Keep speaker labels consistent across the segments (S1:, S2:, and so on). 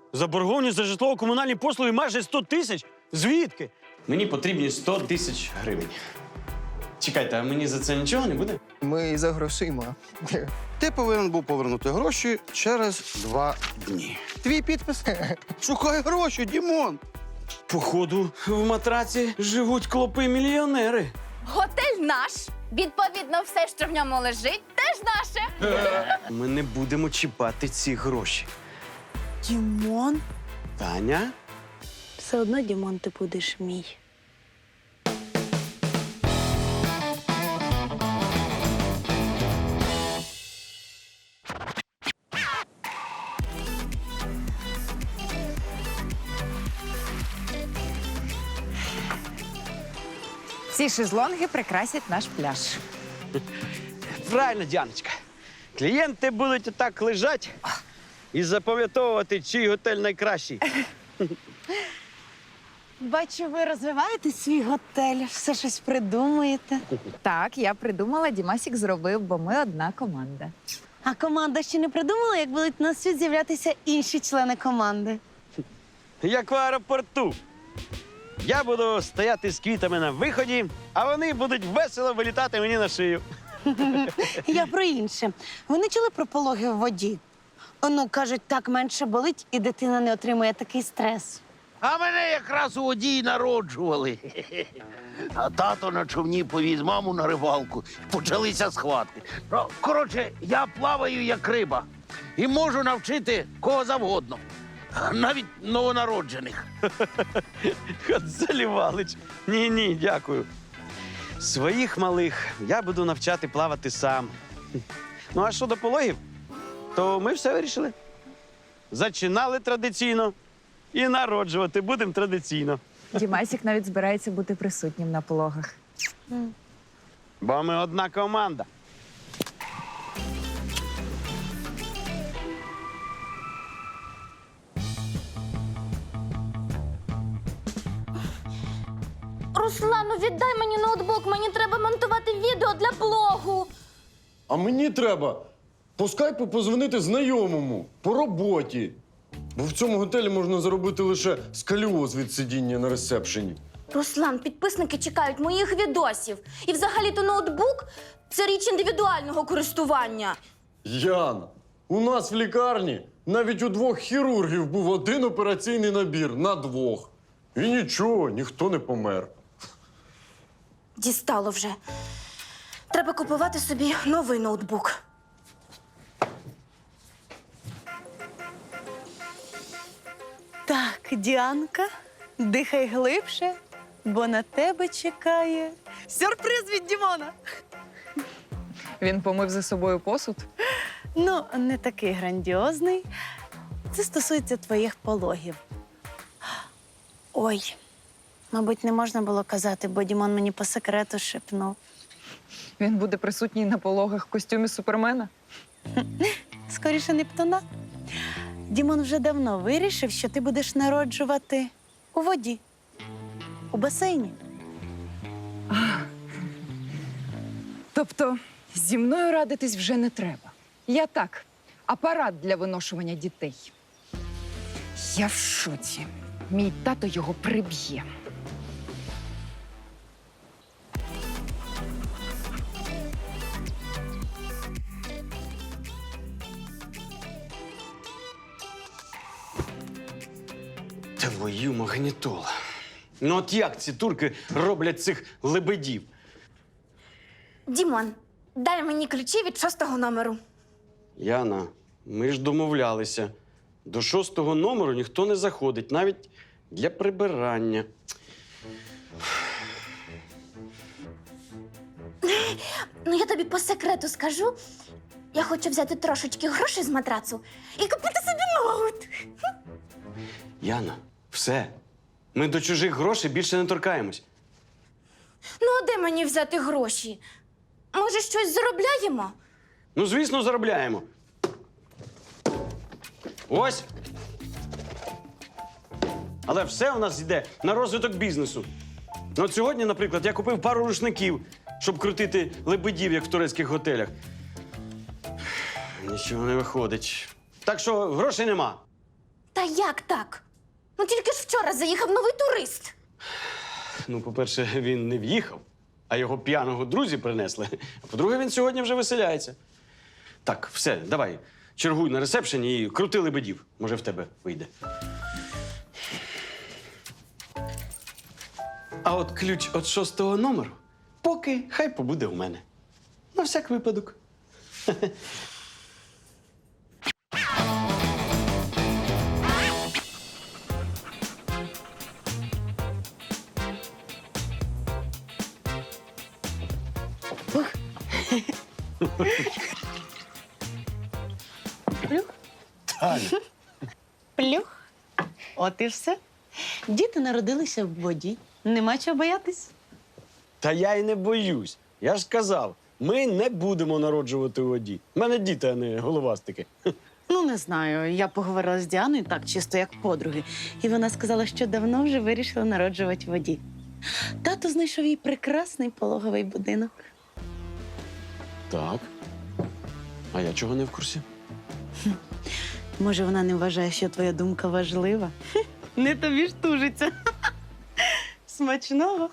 S1: Заборгованість за житлово-комунальні послуги майже 100 тисяч? Звідки? Мені потрібні 100 тисяч гривень. Чекайте, а мені за це нічого не буде?
S2: Ми за грошима.
S3: Ти повинен був повернути гроші через 2 дні. Твій підпис? Шукай гроші, Дімон.
S1: Походу, в матраці живуть клопи-мільйонери.
S4: Готель наш. Відповідно, все, що в ньому лежить, теж наше.
S1: Ми не будемо чіпати ці гроші.
S5: Дімон?
S1: Таня?
S5: Все одно, Дімон, ти будеш мій.
S6: Ці шезлонги прикрасять наш пляж.
S1: Правильно, Діаночка. Клієнти будуть отак лежати і запам'ятовувати, чий готель найкращий.
S5: Бачу, ви розвиваєте свій готель, все щось придумуєте.
S6: Так, я придумала, Дімасік зробив, бо ми одна команда.
S5: А команда ще не придумала, як будуть на світ з'являтися інші члени команди.
S1: Як в аеропорту. Я буду стояти з квітами на виході, а вони будуть весело вилітати мені на шию.
S5: Я про інше. Ви не чули про пологи в воді? Ну, кажуть, так менше болить, і дитина не отримує такий стрес.
S7: А мене якраз у воді й народжували. А тато на човні повіз маму на рибалку. Почалися схватки. Ну, коротше, я плаваю як риба і можу навчити кого завгодно. Навіть новонароджених.
S1: От залівалич. Ні, дякую. Своїх малих я буду навчати плавати сам. Ну, а що до пологів, то ми все вирішили. Зачинали традиційно і народжувати будемо традиційно.
S6: Дімасік навіть збирається бути присутнім на пологах.
S1: Бо ми одна команда.
S4: Руслану, віддай мені ноутбук, мені треба монтувати відео для блогу.
S8: А мені треба по скайпу позвонити знайомому по роботі. Бо в цьому готелі можна заробити лише сколіоз від сидіння на ресепшені.
S4: Руслан, підписники чекають моїх відосів. І взагалі-то ноутбук – це річ індивідуального користування.
S8: Яна, у нас в лікарні навіть у 2 хірургів був один операційний набір на 2. І нічого, ніхто не помер.
S4: Дістало вже. Треба купувати собі новий ноутбук.
S5: Так, Діанка, дихай глибше, бо на тебе чекає сюрприз від Дімона.
S6: Він помив за собою посуд.
S5: Ну, не такий грандіозний. Це стосується твоїх пологів. Ой, мабуть, не можна було казати, бо Дімон мені по секрету шепнув.
S6: Він буде присутній на пологах в костюмі Супермена.
S5: Скоріше Нептуна. Дімон вже давно вирішив, що ти будеш народжувати у воді, у басейні.
S6: Тобто зі мною радитись вже не треба. Я так, апарат для виношування дітей. Я в шоці. Мій тато його приб'є.
S1: Твою магнітолу. Ну от як ці турки роблять цих лебедів?
S4: Дімон, дай мені ключі від 6-го номеру.
S1: Яна, ми ж домовлялися. До 6-го номеру ніхто не заходить, навіть для прибирання.
S4: Ну, я тобі по секрету скажу. Я хочу взяти трошечки грошей з матрацу і купити собі ноут.
S1: Яна, все. Ми до чужих грошей більше не торкаємось.
S4: Ну, а де мені взяти гроші? Може, щось заробляємо?
S1: Ну, звісно, заробляємо. Ось. Але все у нас йде на розвиток бізнесу. Ну, от сьогодні, наприклад, я купив пару рушників, щоб крутити лебедів, як в турецьких готелях. Нічого не виходить. Так що грошей нема.
S4: Та як так? Ну тільки ж вчора заїхав новий турист.
S1: Ну, по-перше, він не в'їхав, а його п'яного друзі принесли. А по-друге, він сьогодні вже веселяється. Так, все, давай, чергуй на ресепшені і крути лебедів. Може, в тебе вийде. А от ключ від 6-го номеру поки хай побуде у мене. На всяк випадок.
S5: Плюх. От і все. Діти народилися в воді. Нема чого боятись.
S1: Та я й не боюсь. Я ж сказав, ми не будемо народжувати у воді. У мене діти, а не головастики.
S5: Ну, не знаю. Я поговорила з Діаною так, чисто як подруги. І вона сказала, що давно вже вирішила народжувати в воді. Тато знайшов їй прекрасний пологовий будинок.
S1: Так. А я чого не в курсі?
S5: Може, вона не вважає, що твоя думка важлива? Не тобі ж тужиться. Смачного.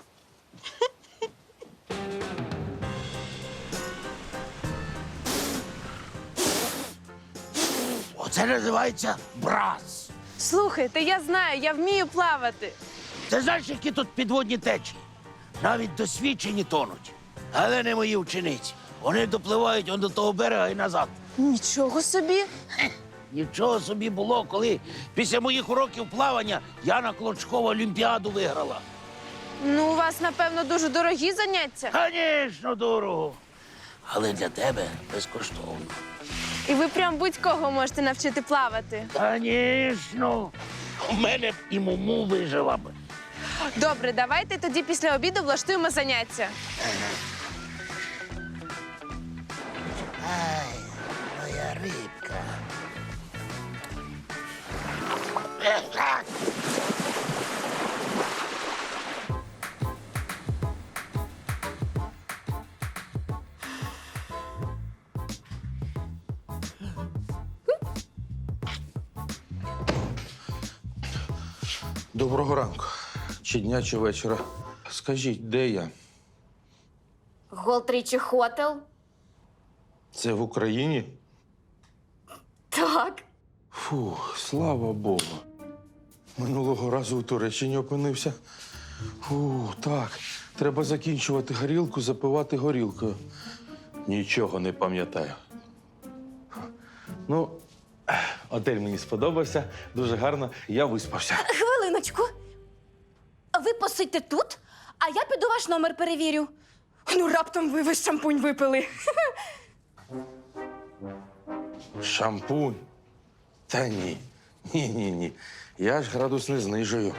S7: Оце називається брас.
S2: Слухайте, я знаю, я вмію плавати.
S7: Ти знаєш, які тут підводні течії? Навіть досвідчені тонуть. Але не мої учениці. Вони допливають он до того берега і назад.
S2: Нічого собі.
S7: Нічого собі було, коли після моїх уроків плавання Яна Клочкова Олімпіаду виграла.
S2: Ну, у вас, напевно, дуже дорогі заняття.
S7: Звісно, дорого. Але для тебе безкоштовно.
S2: І ви прям будь-кого можете навчити плавати.
S7: Звісно. У мене б і муму вижила б.
S2: Добре, давайте тоді після обіду влаштуємо заняття.
S7: Ай, моя рибка.
S9: Доброго ранку. Чи дня, чи вечора. Скажіть, де я?
S4: Голтрічі Хотел?
S9: Це в Україні?
S4: Так.
S9: Фу, слава Богу. Минулого разу у Туреччині опинився. Фу, так. Треба закінчувати горілку, запивати горілкою. Нічого не пам'ятаю. Ну, готель мені сподобався, дуже гарно, я виспався.
S4: Хвилиночку. Ви посидьте тут, а я піду ваш номер перевірю. Ну, раптом ви весь шампунь випили.
S9: Шампунь? Та ні. Ні. Я ж градус не знижую.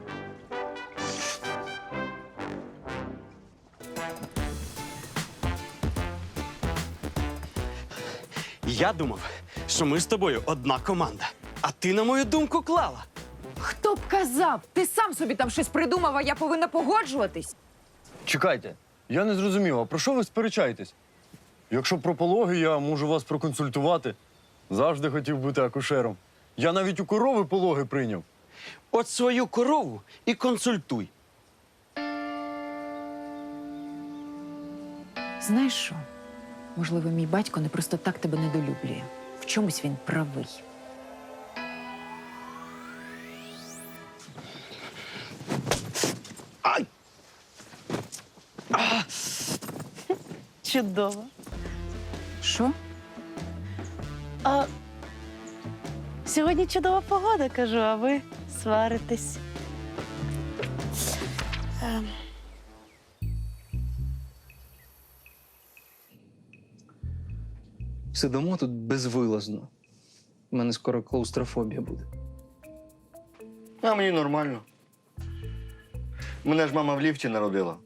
S1: Я думав, що ми з тобою одна команда. А ти, на мою думку, клала.
S6: Хто б казав? Ти сам собі там щось придумав, а я повинна погоджуватись.
S8: Чекайте, я не зрозумів, а про що ви сперечаєтесь? Якщо про пологи, я можу вас проконсультувати. Завжди хотів бути акушером. Я навіть у корови пологи прийняв.
S1: От свою корову і консультуй.
S6: Знаєш що? Можливо, мій батько не просто так тебе недолюблює. В чомусь він правий.
S1: Ай!
S5: Чудово.
S6: Що?
S5: А сьогодні чудова погода, кажу, а ви сваритесь.
S10: Сидимо тут безвилазно. У мене скоро клаустрофобія буде.
S11: А мені нормально. Мене ж мама в ліфті народила.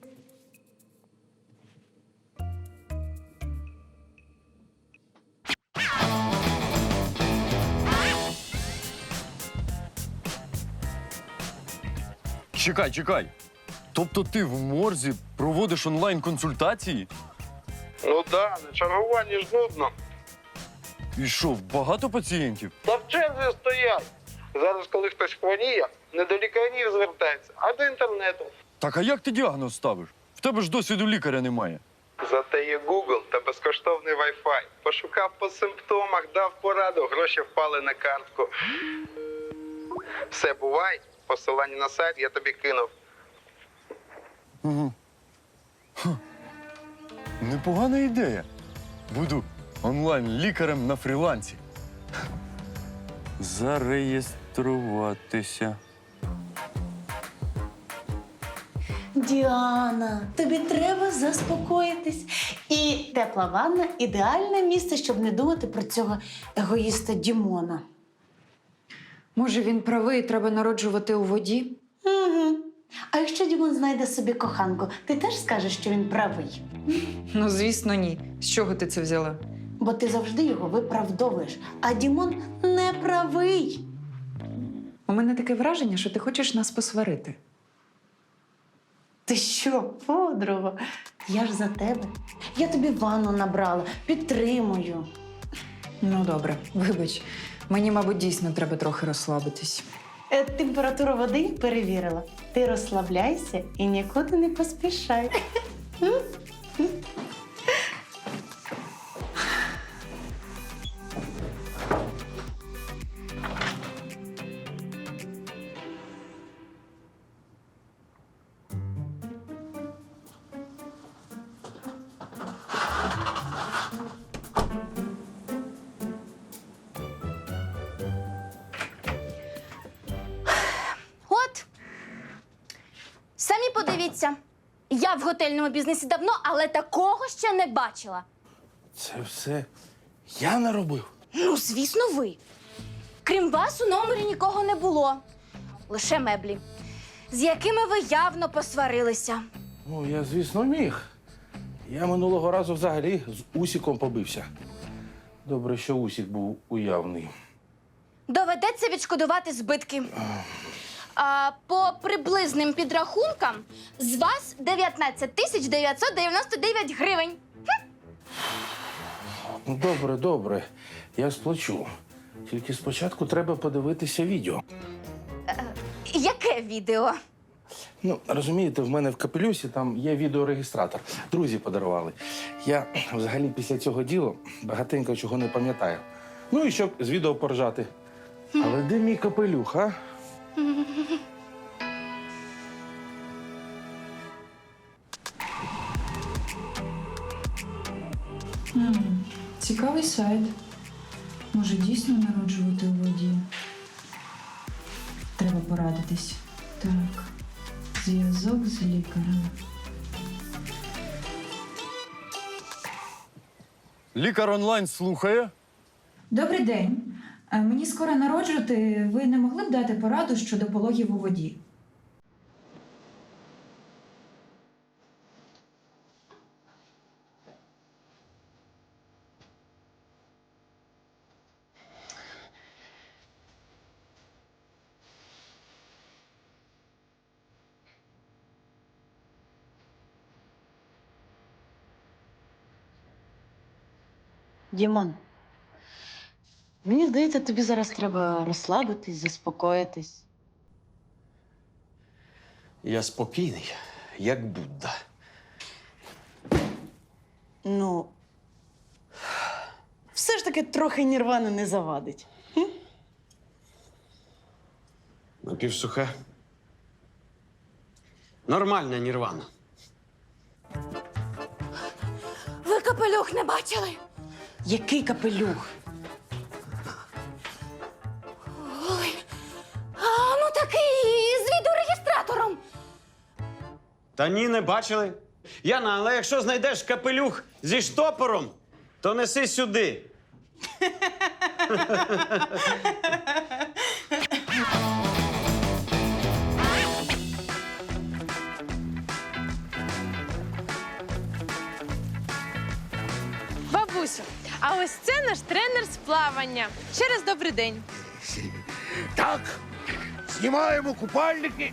S8: Чекай. Тобто ти в морзі проводиш онлайн-консультації?
S12: Ну да, на чергуванні ж нудно.
S8: І що, багато пацієнтів?
S12: Та в черзі стоять. Зараз, коли хтось хворіє, не до лікарів звертається, а до інтернету.
S8: Так а як ти діагноз ставиш? В тебе ж досвіду лікаря немає.
S12: Зате є Google та безкоштовний Wi-Fi. Пошукав по симптомах, дав пораду, гроші впали на картку. Все, бувай. Посилання на сайт я тобі кинув.
S8: Угу. Непогана ідея. Буду онлайн-лікарем на фрілансі. Зареєструватися.
S5: Діана, тобі треба заспокоїтись. І тепла ванна – ідеальне місце, щоб не думати про цього егоїста Дімона.
S6: Може, він правий, треба народжувати у воді?
S5: Угу. А якщо Дімон знайде собі коханку, ти теж скажеш, що він правий?
S6: Ну, звісно, ні. З чого ти це взяла?
S5: Бо ти завжди його виправдовуєш, а Дімон не правий.
S6: У мене таке враження, що ти хочеш нас посварити.
S5: Ти що, подруга? Я ж за тебе. Я тобі ванну набрала, підтримую.
S6: Ну, добре, вибач. Мені, мабуть, дійсно треба трохи розслабитись.
S5: Температуру води перевірила. Ти розслабляйся і нікуди не поспішай.
S4: От. Самі подивіться. Я в готельному бізнесі давно, але такого ще не бачила.
S7: Це все я наробив.
S4: Ну, звісно, ви. Крім вас, у номері нікого не було. Лише меблі, з якими ви явно посварилися.
S13: Ну, я, звісно, міг. Я минулого разу взагалі з Усіком побився. Добре, що Усік був уявний.
S4: Доведеться відшкодувати збитки. А по приблизним підрахункам з вас 19 тисяч 999 гривень.
S13: Ну, добре, добре. Я сплачу. Тільки спочатку треба подивитися відео.
S4: Яке відео?
S13: Ну, розумієте, в мене в капелюсі там є відеорегістратор. Друзі подарували. Я взагалі після цього діла багатенько чого не пам'ятаю. Ну і щоб з відео поржати. Але де мій капелюх, а?
S6: Цікавий сайт. Може, дійсно народжувати у воді? Треба порадитись. Так, зв'язок з лікарем.
S8: Лікар онлайн слухає.
S6: Добрий день. Мені скоро народжувати. Ви не могли б дати пораду щодо пологів у воді?
S5: Дімон, мені здається, тобі зараз треба розслабитись, заспокоїтись.
S1: Я спокійний, як Будда.
S5: Ну, все ж таки трохи нірвани не завадить.
S1: Напівсуха. Нормальна нірвана.
S4: Ви капелюх не бачили?
S5: Який капелюх?
S4: Ой, ну такий з відеорегістратором.
S1: Та ні, не бачили. Яна, але якщо знайдеш капелюх зі штопором, то неси сюди.
S2: Бабусю, а ось це наш тренер з плавання. Ще раз добрий день.
S7: Так, знімаємо купальники.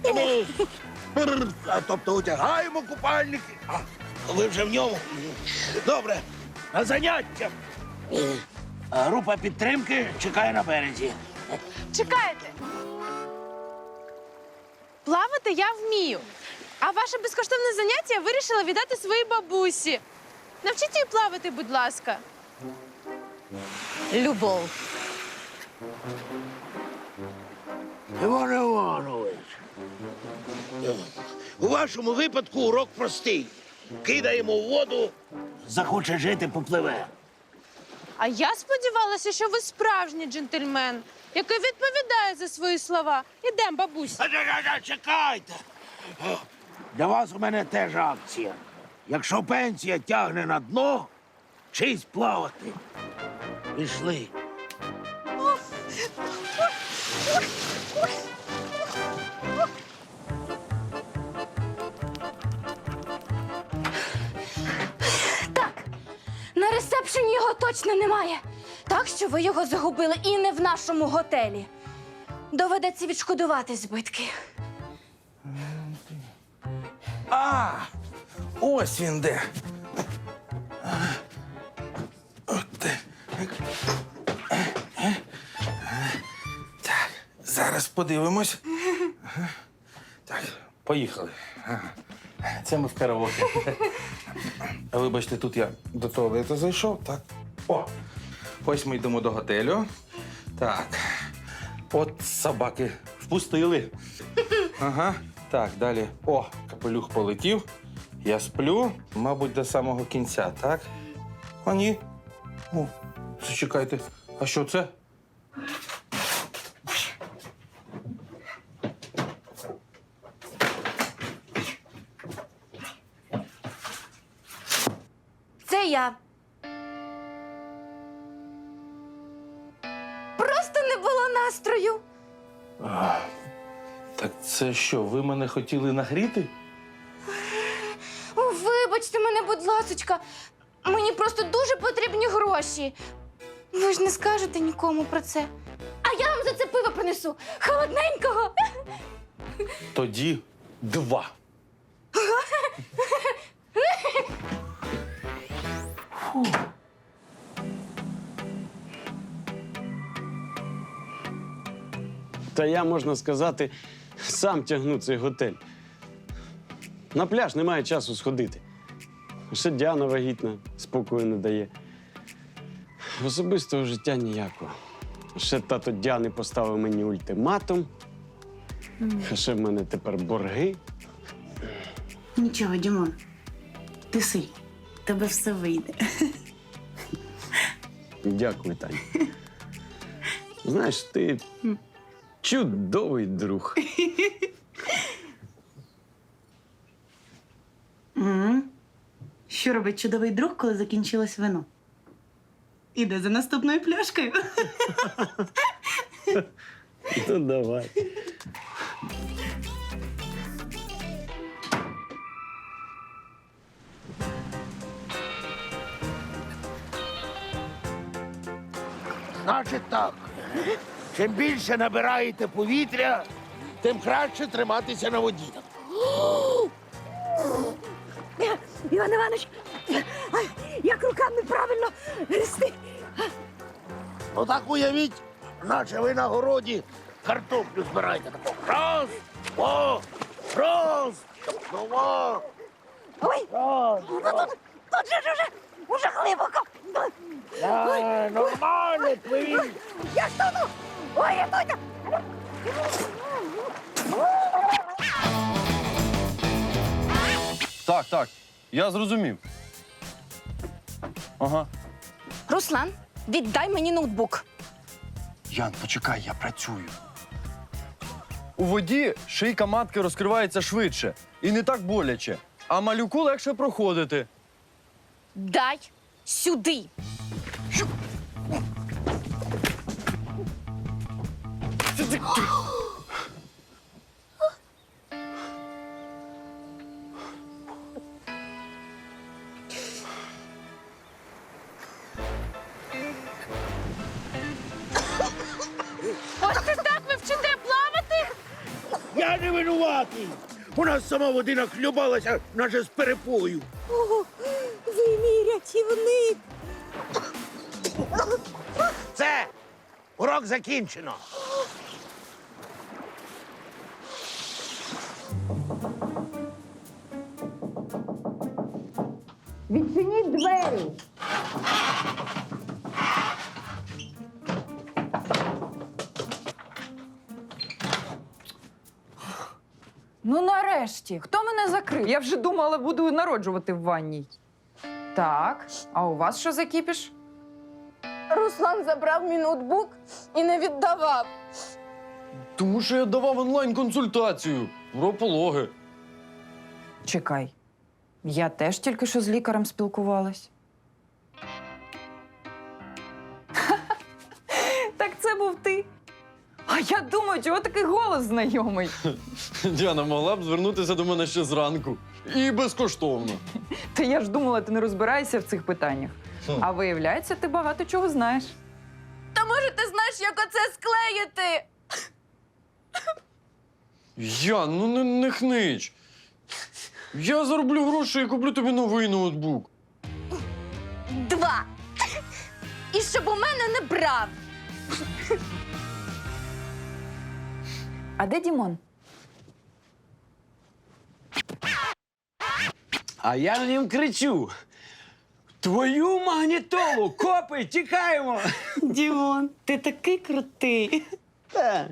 S7: Тобто одягаємо купальники. А ви вже в ньому. Добре, на заняття. Група підтримки чекає на березі.
S2: Чекайте, Плавати я вмію. А ваше безкоштовне заняття я вирішила віддати своїй бабусі. Навчіть її плавати, будь ласка.
S6: Любов.
S7: Іван Іванович, у вашому випадку урок простий. Кидаємо в воду, захоче жити, попливе.
S2: А я сподівалася, що ви справжній джентльмен, який відповідає за свої слова. Ідем, бабусь.
S7: Чекайте. Для вас у мене теж акція. Якщо пенсія тягне на дно, вчись плавати. Пішли.
S4: Так, на ресепшені його точно немає. Так що ви його загубили і не в нашому готелі. Доведеться відшкодувати збитки.
S13: А, ось він де. От де. Так, зараз подивимось. Так, поїхали. Це ми в караоке. Вибачте, тут я до туалету зайшов. Так. О! Ось ми йдемо до готелю. Так. От собаки впустили. Ага. Так, далі. О, капелюх полетів. Я сплю, мабуть, до самого кінця, так? А ні. О, зачекайте. А що це?
S4: Це я. Просто не було настрою.
S13: Так це що, ви мене хотіли нагріти?
S4: Вибачте мене, будь ласочка. Мені просто дуже потрібні гроші. Ви ж не скажете нікому про це. А я вам за це пиво принесу. Холодненького.
S13: Тоді 2.
S1: Та я, можна сказати, сам тягну цей готель. На пляж немає часу сходити. Ще Діана вагітна, спокою не дає. Особистого життя ніякого. Ще тато Діани поставив мені ультиматум. А ще в мене тепер борги.
S5: Нічого, Дімон. Ти сильний. Тебе все вийде.
S1: Дякую, Таня. Знаєш, ти чудовий друг.
S5: Що робить чудовий друг, коли закінчилось вино? Іде за наступною пляшкою.
S1: Ну, давай.
S7: Значить так, чим більше набираєте повітря, тим краще триматися на воді.
S4: Іван Іванович, як руками правильно грести?
S7: Ну так уявіть, наче ви на городі картоплю збираєте. Тако раз, два, раз, два.
S4: Ой, тут же уже глибоко.
S7: Нормально, пливіть.
S4: Я ж тону. Ой, рятуйте.
S8: Так, так, я зрозумів. Ага.
S4: Руслан, віддай мені ноутбук.
S8: Ян, почекай, я працюю. У воді шийка матки розкривається швидше і не так боляче, а малюку легше проходити.
S4: Дай сюди.
S2: Ось це так ви вчите плавати?
S7: Я не винуватий. У нас сама води нахлюбалася, наче з перепою.
S4: Ви мій рятівник.
S7: Це урок закінчено.
S6: Відчиніть двері. Ну, нарешті, хто мене закрив? Я вже думала, буду народжувати в ванній. Так, а у вас що за кіпіш?
S4: Руслан забрав мій ноутбук і не віддавав.
S8: Тому що я давав онлайн-консультацію про пологи.
S6: Чекай, я теж тільки що з лікарем спілкувалась. Так це був ти. А я думаю, чого такий голос знайомий?
S8: Діана могла б звернутися до мене ще зранку. І безкоштовно.
S6: Та я ж думала, ти не розбираєшся в цих питаннях. А виявляється, ти багато чого знаєш.
S4: Та може ти знаєш, як оце склеїти?
S8: Ян, ну не хнич. Я зароблю гроші і куплю тобі новий ноутбук.
S4: 2. І щоб у мене не брав.
S6: А де Дімон?
S1: А я їм кричу: твою магнітолу! Копи, тікаємо!
S5: Дімон, ти такий крутий.
S1: Та.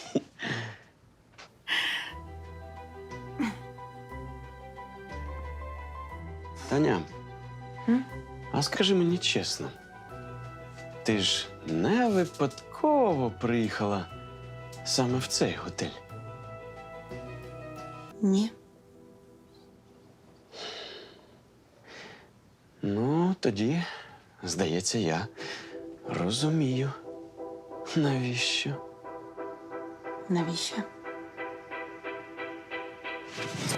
S1: Таня, а скажи мені чесно, ти ж не випадково приїхала саме в цей готель?
S5: Ні.
S1: Ну, тоді, здається, я розумію, навіщо.
S5: Навіщо?